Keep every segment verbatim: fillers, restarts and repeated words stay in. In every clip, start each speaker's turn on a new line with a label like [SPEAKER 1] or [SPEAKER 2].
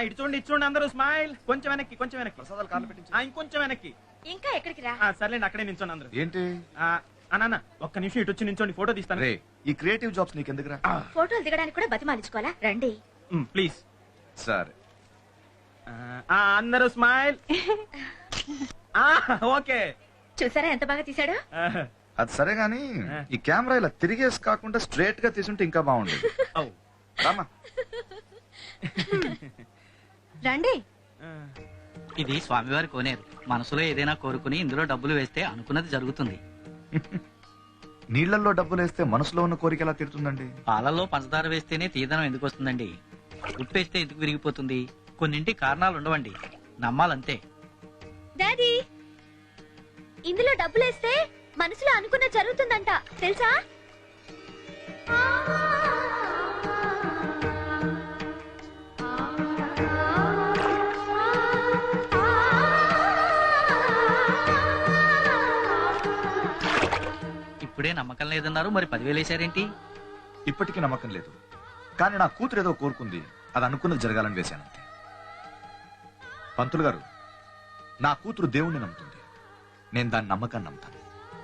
[SPEAKER 1] ఇటు చూడండి ఇటు చూడండి అందరూ స్మైల్. కొంచెం వెనక్కి కొంచెం వెనక్కి ప్రసాదాలు కార్లు పెట్టించు. ఇంకొంచెం వెనక్కి.
[SPEAKER 2] ఇంకా ఎక్కడికి రా?
[SPEAKER 1] సర్లేండి అక్కడే నించోండి అందరూ.
[SPEAKER 3] ఏంటి
[SPEAKER 1] అన్న ఒక్క నిమిషం ఇటు వచ్చి నించోండి ఫోటో తీస్తాను.
[SPEAKER 3] ఈ క్రియేటివ్ జాబ్స్ నీకు ఎందుకురా?
[SPEAKER 2] ఫోటోలు దిగడానికి కూడా బతిమాలించుకోవాలా? రండి
[SPEAKER 1] ప్లీజ్.
[SPEAKER 3] సరే
[SPEAKER 1] అందరూ స్మైల్. ఓకే
[SPEAKER 2] చూసారా ఎంత బాగా తీసాడు?
[SPEAKER 3] అది సరే గాని ఈ కెమెరా ఇలా తిరిగేసి కాకుండా స్ట్రేట్ గా తీసుంటే ఇంకా బాగుండేది. రామా
[SPEAKER 2] రండి.
[SPEAKER 4] ఇది స్వామివారి కోనేరు. మనసులో ఏదైనా కోరుకుని ఇందులో డబ్బులు వేస్తే అనుకున్నది జరుగుతుంది.
[SPEAKER 3] నీళ్లలో డబ్బులు వేస్తే మనసులో ఉన్న కోరిక ఎలా తీరుతుందండి?
[SPEAKER 4] పాలల్లో పంచదార వేస్తేనే తీదనం ఎందుకు వస్తుందండి? ఉప్పేస్తే ఎందుకు విరిగిపోతుంది? కొన్నింటి కారణాలు ఉండవండి, నమ్మాలంతే.
[SPEAKER 2] డాడీ, ఇందులో డబ్బులేస్తే మనసులో అనుకున్న జరుగుతుందంట తెలుసా?
[SPEAKER 4] ఇప్పుడే నమ్మకం లేదన్నారు, మరి పదివేలు వేసారేంటి?
[SPEAKER 3] ఇప్పటికీ నమ్మకం లేదు, కానీ నా కూతురు ఏదో కోరుకుంది, అది అనుకున్నది జరగాలని వేశానంతే. పంతులు గారు, నా కూతురు దేవుణ్ణి నమ్ముతుంది, నేను దాని నమ్మకాన్ని నమ్ముతాను.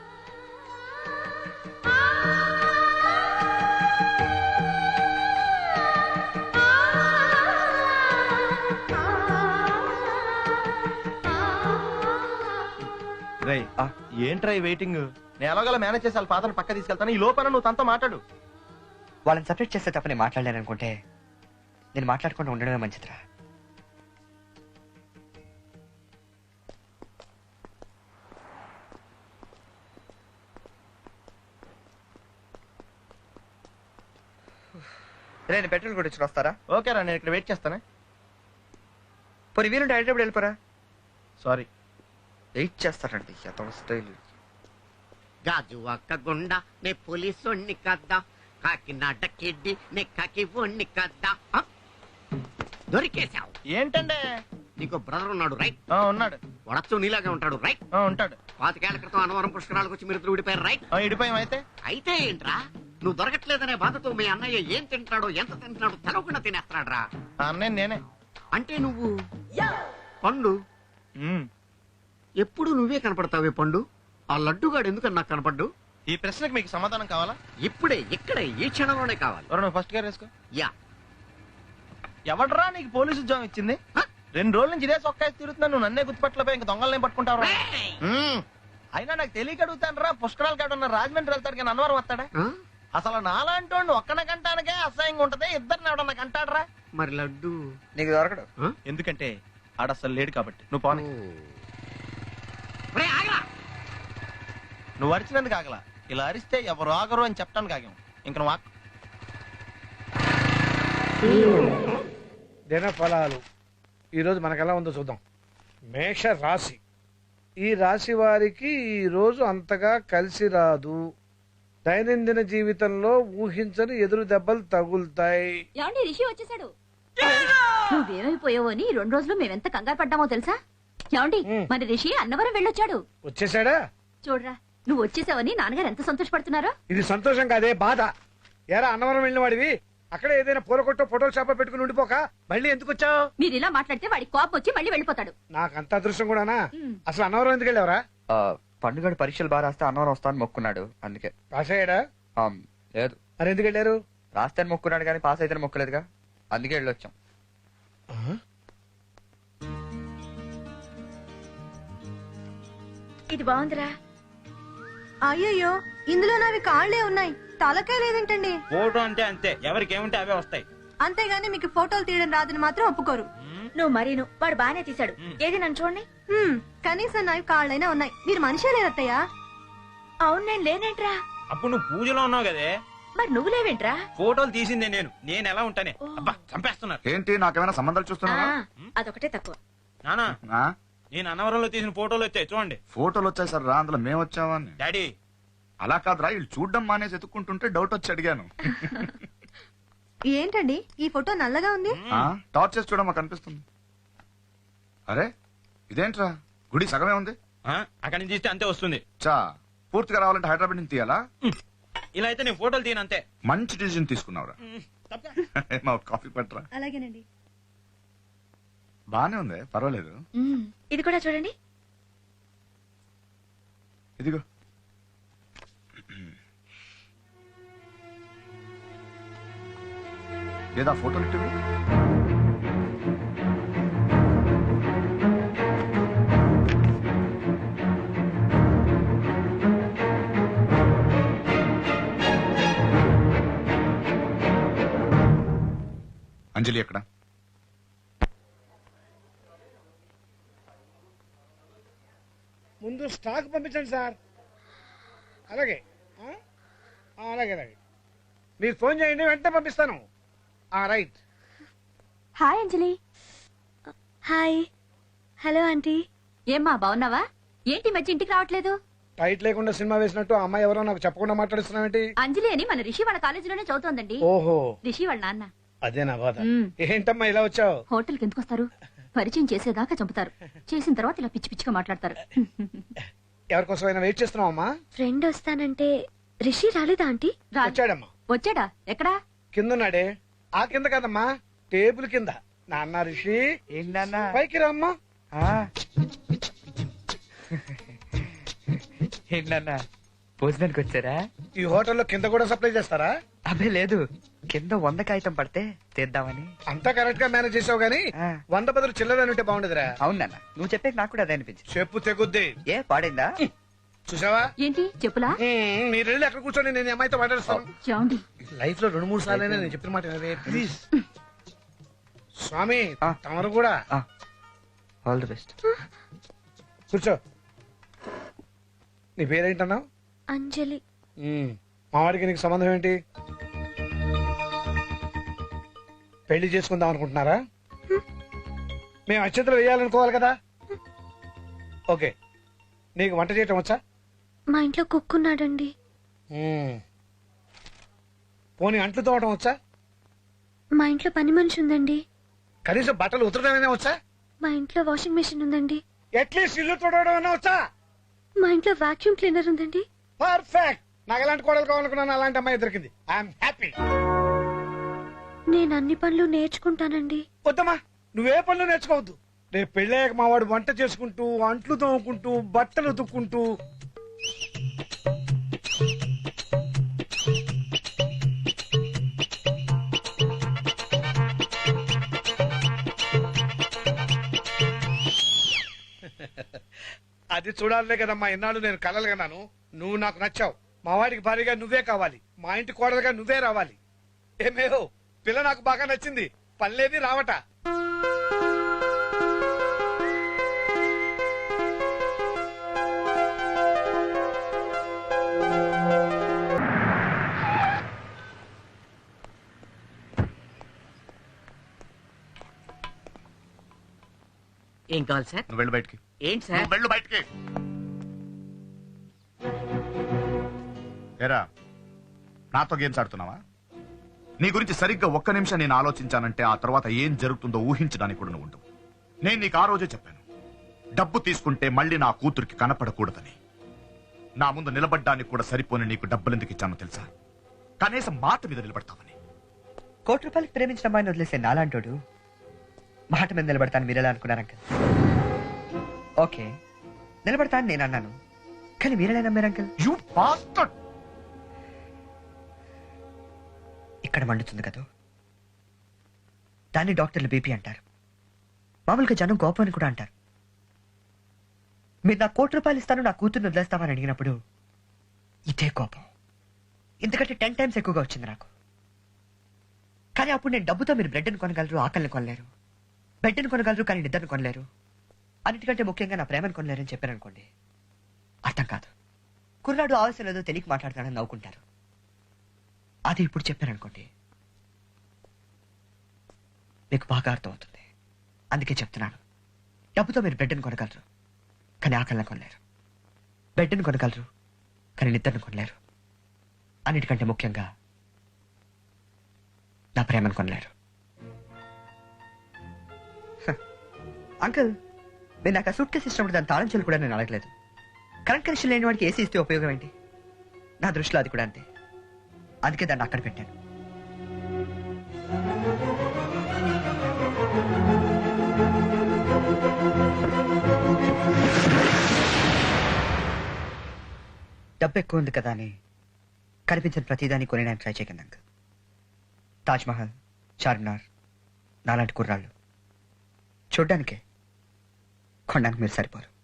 [SPEAKER 1] ఏంట్రా వెయిటింగ్? నేను ఎలాగోలా మేనేజ్ చేసి వాళ్ళ ఫాదర్ పక్క తీసుకెళ్తాను. ఈ లోపల నువ్వు తనతో మాట్లాడు.
[SPEAKER 5] వాళ్ళని సపరేట్ చేస్తే తప్ప నేను మాట్లాడలేను అనుకుంటే నేను మాట్లాడకుండా ఉండడమే మంచిదిరా. నేను పెట్రోల్ కొట్టించుకు వస్తారా?
[SPEAKER 1] ఓకేరా, నేను ఇక్కడ వెయిట్ చేస్తానే.
[SPEAKER 5] పోనీ వీలుంటే హైదరాబాద్ వెళ్ళిపోరా.
[SPEAKER 1] సారీ,
[SPEAKER 5] వెయిట్ చేస్తారండి అతను స్టైల్.
[SPEAKER 6] గాజు అక్క గుండ నే పోలీసోణ్ణి కద్దా, కాకినాడ కిడ్డి నే కాకి ఒణ్ణి కద్దా. దొరికేశావు.
[SPEAKER 1] ఏంటంటే
[SPEAKER 6] నీకు బ్రదర్ ఉన్నాడు రైట్?
[SPEAKER 1] ఉన్నాడు.
[SPEAKER 6] వడచ్చు నీలాగే ఉంటాడు రైట్?
[SPEAKER 1] ఉంటాడు.
[SPEAKER 6] పాతికేళ్ల క్రితం అనవరం పుష్కరాలకు వచ్చి మీరు విడిపోయారు రైట్?
[SPEAKER 1] ఇడిపోయాం. అయితే
[SPEAKER 6] అయితే ఏంట్రా, నువ్వు దొరకట్లేదనే బాధతో మీ అన్నయ్య ఏం తింటాడో ఎంత తింటున్నాడో తెలవకుండా తినేస్తాడ్రా.
[SPEAKER 1] అన్నయ్య నేనే.
[SPEAKER 6] అంటే నువ్వు పండు ఎప్పుడు నువ్వే కనపడతావే పండు. ఆ లడ్డుగాడు ఎందుకని నాకు కనపడ్డు?
[SPEAKER 1] ఈ ప్రశ్నకు మీకు సమాధానం కావాలా?
[SPEAKER 6] ఇప్పుడే ఇక్కడే ఈ క్షణంలోనే కావాలి.
[SPEAKER 1] నువ్వు ఫస్ట్ గేర్ వేసుకో.
[SPEAKER 6] యా.
[SPEAKER 1] ఎవడరా నీకు పోలీసు ఉద్యోగం ఇచ్చింది? రెండు రోజుల నుంచి ఇదే సొక్కాయి తిరుగుతున్నా, నువ్వు నన్నే గుర్తుపట్టలేపోయి ఇంకా దొంగలనే పట్టుకుంటావు. అయినా నాకు తెలియక అడుగుతాను రా, పుష్కరాలు కాడున్న రాజమండ్రి వెళ్తాడు కానీ అన్నవరం వస్తాడా? అసలు నాలాంటి వాడిని ఒక్కన కంటానికే అసహ్యంగా ఉంటది, ఇద్దరిని ఎవడన్నా కంటాడరా?
[SPEAKER 6] మరి లడ్డు
[SPEAKER 5] నీకు దొరకడు,
[SPEAKER 1] ఎందుకంటే ఆడ అసలు లేడు కాబట్టి. నువ్వు పోనీ. నువ్వు అరిచినందుకు ఆగలా, ఇలా అరిస్తే ఎవరు ఆగరు అని చెప్పడానికి ఆగాం. ఇంక నువ్వు ఆకు.
[SPEAKER 7] దిన ఫలాలు ఈరోజు మనకెలా ఉందో చూద్దాం. మేష రాశి, ఈ రాశి వారికి ఈ రోజు అంతగా కలిసి రాదు. దైనందిన జీవితంలో ఊహించని ఎదురు దెబ్బలు తగులుతాయి.
[SPEAKER 2] ఏమండి, రిషి వచ్చేసాడు. నువ్వేమైపోయావో అని రెండు రోజులు మేమెంత కంగారు పడ్డామో తెలుసా? ఏమండి, మరి రిషి అన్నవరం వెళ్ళొచ్చాడు.
[SPEAKER 7] వచ్చేసాడా?
[SPEAKER 2] చూడరా, నువ్వు వచ్చేసావని నాన్నగారు ఎంత సంతోషపడుతున్నారో.
[SPEAKER 7] ఇది సంతోషం కాదే, బాధ. ఎరా అన్నవరం వెళ్ళిన వాడివి అక్కడే ఏదైనా పూల కొట్టో ఫోటోలు షాప్ పెట్టుకుని ఉండిపోక మళ్ళీ ఎందుకు వచ్చావు?
[SPEAKER 2] మీరు ఇలా మాట్లాడితే వాడి కోపం వచ్చి మళ్ళీ వెళ్ళిపోతాడు.
[SPEAKER 7] నాకు అంత అదృష్టం కూడానా? అసలు అన్నవరం ఎందుకు వెళ్ళావరా?
[SPEAKER 5] పండుగడు పరీక్షలు బాగా రాస్తే అన్నవరం వస్తాను మొక్కున్నాడు, అందుకే.
[SPEAKER 7] పాస్ అయ్యాడా?
[SPEAKER 5] లేదు.
[SPEAKER 7] మరి ఎందుకు వెళ్ళారు?
[SPEAKER 5] రాస్తే మొక్కున్నాడు కానీ పాస్ అయితే మొక్కలేదుగా, అందుకే వెళ్ళొచ్చాం.
[SPEAKER 2] ఇది బాగుందిరా.
[SPEAKER 8] అయ్యయ్యో, ఇందులో నావి కాళ్లే ఉన్నాయి, తలకాయ లేదేంటండి?
[SPEAKER 1] ఫోటో అంటే అంతే, ఎవరికి ఏముంటే అవే వస్తాయి.
[SPEAKER 8] అంతేగాని మీకు ఫోటోలు తీయడం రాదని మాత్రం ఒప్పుకోరు.
[SPEAKER 2] నువ్వు మరీను, వాడు బానే తీశాడు. ఏది నన్ను చూడండి.
[SPEAKER 8] కనీసం నావి కాళ్ళైనా ఉన్నాయి, మీరు మనిషే లేదత్తయ్యా.
[SPEAKER 2] అవును, నేను లేనేంట్రా.
[SPEAKER 1] అప్పుడు నువ్వు పూజలో ఉన్నావు కదే,
[SPEAKER 2] మరి నువ్వు లేవేంట్రా?
[SPEAKER 1] ఫోటోలు తీసిందే నేను. నేను ఎలా ఉంటానే? అబ్బా, చంపేస్తున్నారు.
[SPEAKER 3] ఏంటి, నాకేమైనా సంబంధాలు చూస్తున్నావా?
[SPEAKER 2] అదొకటే తక్కువ.
[SPEAKER 1] నానా, నేను అన్నవరంలో తీసిన ఫోటోలు వచ్చాయి చూడండి.
[SPEAKER 3] ఫోటోలు వచ్చాయి సార్ రా, అందులో మేము వచ్చావా?
[SPEAKER 1] డాడీ
[SPEAKER 3] అలా కాదురా, వీళ్ళు చూడడం మానేసి ఎత్తుక్కుంటుంటే డౌట్ వచ్చి అడిగాను.
[SPEAKER 8] ఏంటండి ఈ ఫోటో నల్లగా ఉంది?
[SPEAKER 3] టార్చ్ చేసి చూడమా కనిపిస్తుంది. అరే ఇదేంట్రా, గుడి సగమే ఉంది.
[SPEAKER 1] అక్కడి నుంచి తీస్తే అంతే వస్తుంది.
[SPEAKER 3] చా పూర్తిగా రావాలంటే హైదరాబాద్ నుంచి తీయాలా?
[SPEAKER 1] ఇలా అయితే నేను ఫోటోలు తీయను అంతే.
[SPEAKER 3] మంచి డిసిజన్ తీసుకున్నావురా. కాఫీ పట్టరా.
[SPEAKER 8] అలాగేనండి.
[SPEAKER 3] బానే ఉంది, పర్వాలేదు.
[SPEAKER 2] మ్మ్. ఇది కూడా చూడండి.
[SPEAKER 3] ఇదిగో. ఏదా ఫోటోలు ఇట్టువి? అంజలి ఎక్కడ?
[SPEAKER 7] ముందు స్టాక్ పంపించండి సార్. అలాగే ఆ? ఆ, అలాగే అలాగే మీరు ఫోన్ చేయండి, వెంటనే పంపిస్తాను. ఆ, right.
[SPEAKER 2] Hi Anjali.
[SPEAKER 8] Hi. Hello aunty.
[SPEAKER 2] ఏమ్మా బాగున్నావా? ఏంటి ఈ మధ్య ఇంటికి రావట్లేదు?
[SPEAKER 7] టైట్ లేకుండా సినిమా వేసినట్టు ఆ అమ్మాయి ఎవరో నాకు చెప్పకుండా మాట్లాడిస్తున్నావేంటి?
[SPEAKER 2] అంజలి అని మన రిషి వాళ్ళ కాలేజీలోనే చదువుతోందండి.
[SPEAKER 7] ఓహో,
[SPEAKER 2] రిషి వాళ్ళ నాన్న.
[SPEAKER 7] అదే నా బాధ.
[SPEAKER 2] మ్మ్.
[SPEAKER 7] ఏంటమ్మా ఇలా వచ్చావు?
[SPEAKER 2] హోటల్కి ఎందుకు వస్తారు? పరిచయం చేసేదాకా చంపుతారు, చేసిన తర్వాత ఇలా పిచ్చి పిచ్చిగా మాట్లాడతారు.
[SPEAKER 7] ఎవరికోసమైనా వెయిట్ చేస్తున్నావు అమ్మా?
[SPEAKER 8] ఫ్రెండ్ వస్తానంటే రిషి రాలేదా ఆంటీ?
[SPEAKER 2] రా-
[SPEAKER 7] వచ్చాడమ్మా.
[SPEAKER 2] వచ్చాడా? ఎక్కడా?
[SPEAKER 7] కిందన్నాడే. ఆ కింద కదమ్మా, టేబుల్ కింద. నాన్న రిషి
[SPEAKER 5] ఏంటన్నా?
[SPEAKER 7] పైకి రామ్మా.
[SPEAKER 5] ఏంటన్నా భోజనానికి వచ్చారా?
[SPEAKER 7] ఈ హోటల్లో కింద కూడా సప్లై చేస్తారా?
[SPEAKER 5] అబ్బే లేదు, కింద వంద కాగితం పడితే తీద్దామని.
[SPEAKER 7] అంతా కరెక్ట్ గా మేనేజ్ చేసావు గానీ
[SPEAKER 5] ఆ.
[SPEAKER 7] వంద బదులు చిల్లర ఉంటే బాగుండదురా.
[SPEAKER 5] అవునన్నా, నువ్వు చెప్పే నాకు కూడా అదే అనిపించింది.
[SPEAKER 7] చెప్పు తెగుద్ది.
[SPEAKER 5] ఏ పాడైందా?
[SPEAKER 7] చూసావా?
[SPEAKER 2] ఏంటి చెప్పులా?
[SPEAKER 7] మ్మ్, మీరు వెళ్ళి అక్కడ కూర్చొని నేను ఈ అమ్మాయితో మాట్లాడుస్తాను.
[SPEAKER 2] చూడండి.
[SPEAKER 7] లైఫ్ లో రెండు మూడు సార్లు అయినా నేను చెప్పిన మాట వినవే, ప్లీజ్. స్వామి
[SPEAKER 5] ఆ.
[SPEAKER 7] తమరు కూడా
[SPEAKER 5] ఆల్ ది బెస్ట్.
[SPEAKER 7] కూర్చో. నీ పేరేంటన్నావు?
[SPEAKER 8] అంజలి.
[SPEAKER 7] మ్మ్, మావాడికి నీకు సంబంధం ఏంటి? పెళ్లి చేసుకుందాం అనుకుంటున్నారా? మేము అత్యంతలు వేయాలనుకోవాలి కదా. ఓకే, నీకు వంట చేయటం వచ్చా?
[SPEAKER 8] మా ఇంట్లో కుక్కున్నాడండి.
[SPEAKER 7] మ్మ్. పోనీ అంట్లు తోవటం వచ్చా?
[SPEAKER 8] మా ఇంట్లో పని మనిషి ఉందండి.
[SPEAKER 7] కనీసం బట్టలు ఉతరడమైనా వచ్చా?
[SPEAKER 8] మా ఇంట్లో వాషింగ్ మెషిన్ ఉందండి.
[SPEAKER 7] అట్లీస్ట్ ఇల్లు తోడవడం వచ్చా?
[SPEAKER 8] మా ఇంట్లో వాక్యూమ్ క్లీనర్ ఉందండి.
[SPEAKER 7] పర్ఫెక్ట్. నాకు ఎలాంటి కోడలు కావాలనుకున్నాను, అలాంటి అమ్మాయి దొరికింది. I'm happy.
[SPEAKER 8] నేను అన్ని పనులు నేర్చుకుంటానండి.
[SPEAKER 7] వద్దమ్మా, నువ్వే పనులు నేర్చుకోవద్దు. రేపు పెళ్ళాక మా వాడు వంట చేసుకుంటూ, అంట్లు తోముకుంటూ, బట్టలు ఉతుక్కుంటూ. అది చూడాలనే కదమ్మా ఇన్నాళ్ళు నేను కలలు కన్నాను. నువ్వు నాకు నచ్చావు. మా వాడికి భారీగా నువ్వే కావాలి. మా ఇంటి కోడలుగా నువ్వే రావాలి. ఏమేహో, పిల్ల నాకు బాగా నచ్చింది. పనిలేని రావట.
[SPEAKER 6] ఏం కావాలి సార్?
[SPEAKER 3] నువ్వు వెళ్ళు బయటికి.
[SPEAKER 6] ఏంటి సార్?
[SPEAKER 3] నువ్వు వెళ్ళు బయటికి. ఏరా, నాతో గేమ్స్ ఆడుతున్నావా? నీ గురించి సరిగ్గా ఒక్క నిమిషం నేను ఆలోచించానంటే ఆ తర్వాత ఏం జరుగుతుందో ఊహించడానికి కూడా నువ్వు ఉండవు. నేను నీకు ఆ రోజే చెప్పాను, డబ్బు తీసుకుంటే మళ్ళీ నా కూతురికి కనపడకూడదని. నా ముందు నిలబడ్డానికి కూడా సరిపోని నీకు డబ్బులు ఎందుకు ఇచ్చానో తెలుసా? కనీసం మాట మీద నిలబడతావని.
[SPEAKER 5] కోటి రూపాయలకి ప్రేమించిన అమ్మాయిని వదిలేసే నాలాంటోడు మాట మీద నిలబడతాను మీరెలా అనుకున్నారు అంకల్? ఓకే, నిలబడతాను నేను అన్నాను, కానీ మీరెలా నమ్మారు అంకల్?
[SPEAKER 3] You bastard.
[SPEAKER 5] ఇక్కడ మండుతుంది కదా, దాన్ని డాక్టర్లు బీపీ అంటారు. మామూలుగా జనం కోపం అని కూడా అంటారు. మీరు నా కోటి రూపాయలు ఇస్తాను, నా కూతుర్ని వదిలేస్తామని అడిగినప్పుడు ఇదే కోపం ఎందుకంటే టెన్ టైమ్స్ ఎక్కువగా వచ్చింది నాకు. కానీ అప్పుడు నేను డబ్బుతో మీరు బ్రెడ్ని కొనగలరు, ఆకలిని కొనలేరు. బెడ్ని కొనగలరు కానీ నిద్రను కొనలేరు. అన్నిటికంటే ముఖ్యంగా నా ప్రేమను కొనలేరని చెప్పారు అనుకోండి, అర్థం కాదు. కుర్రాడు ఆవశ్యం లేదో తెలియక మాట్లాడతాడని నవ్వుకుంటారు. అది ఇప్పుడు చెప్పారనుకోండి, మీకు బాగా అర్థం అవుతుంది. అందుకే చెప్తున్నాను, డబ్బుతో మీరు బ్రెడ్ని కొనగలరు కానీ ఆకలిని కొనలేరు. బెడ్ని కొనగలరు కానీ నిద్రను కొనలేరు. అన్నిటికంటే ముఖ్యంగా నా ప్రేమను కొనలేరు. అంకుల్, నేను నాకు ఆ సూట్ కేసు ఇచ్చినప్పుడు దాని తాళం చెల్లు కూడా నేను అడగలేదు. కరెంట్ కనెక్షన్ లేని వాడికి ఏసీ ఇస్తే ఉపయోగం ఏంటి? నా దృష్టిలో అది కూడా అంతే. అందుకే దాన్ని అక్కడ పెట్టాను. డబ్బు ఎక్కువ ఉంది కదా అని కనిపించిన ప్రతిదాన్ని కొని నేను ట్రై చేయకండి అంకుల్. తాజ్ మహల్, చార్మినార్ నాలాంటి కుర్రాళ్ళు చూడ్డానికే కొనడానికి మీరు సరిపోరు.